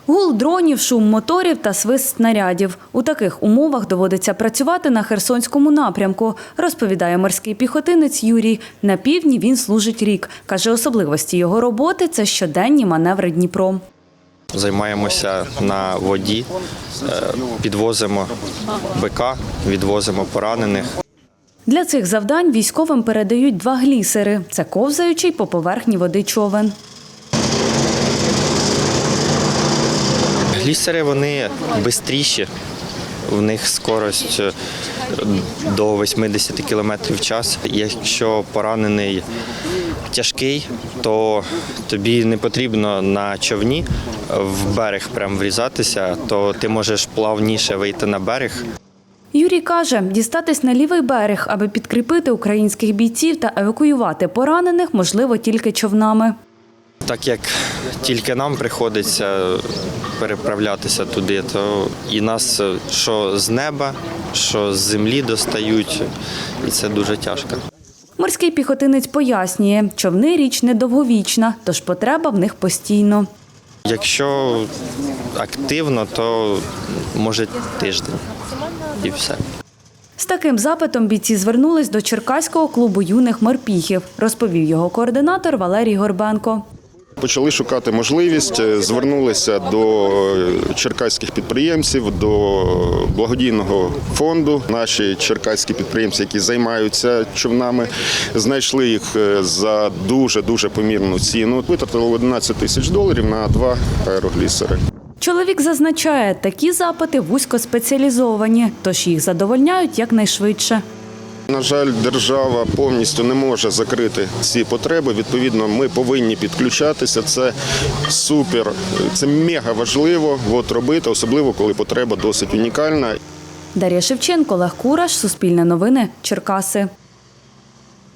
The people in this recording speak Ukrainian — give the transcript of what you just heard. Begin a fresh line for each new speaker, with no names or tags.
Гул дронів, шум моторів та свист снарядів. У таких умовах доводиться працювати на Херсонському напрямку, розповідає морський піхотинець Юрій. На півдні він служить рік. Каже, особливості його роботи – це щоденні маневри Дніпром.
Займаємося на воді, підвозимо БК, відвозимо поранених.
Для цих завдань військовим передають 2 глісери – це ковзаючий по поверхні води човен.
Глісери, вони швидші, в них скорость до 80 км в час. Якщо поранений тяжкий, то тобі не потрібно на човні в берег прям врізатися, то ти можеш плавніше вийти на берег.
Юрій каже, дістатись на лівий берег, аби підкріпити українських бійців та евакуювати поранених, можливо тільки човнами.
Так як тільки нам приходиться переправлятися туди, то і нас що з неба, що з землі достають, і це дуже тяжко.
Морський піхотинець пояснює, човни – річ недовговічна, тож потреба в них постійно.
Якщо активно, то може тиждень і все.
З таким запитом бійці звернулись до Черкаського клубу юних морпіхів, розповів його координатор Валерій Горбенко.
Почали шукати можливість, звернулися до черкаських підприємців, до благодійного фонду. Наші черкаські підприємці, які займаються човнами, знайшли їх за дуже помірну ціну. Витратили $11 тисяч на 2 аероглісери.
Чоловік зазначає, такі запити вузькоспеціалізовані, тож їх задовольняють якнайшвидше.
На жаль, держава повністю не може закрити ці потреби. Відповідно, ми повинні підключатися. Це супер, це мега важливо робити, особливо коли потреба досить унікальна.
Дар'я Шевченко, Олег Кураш, Суспільне новини, Черкаси.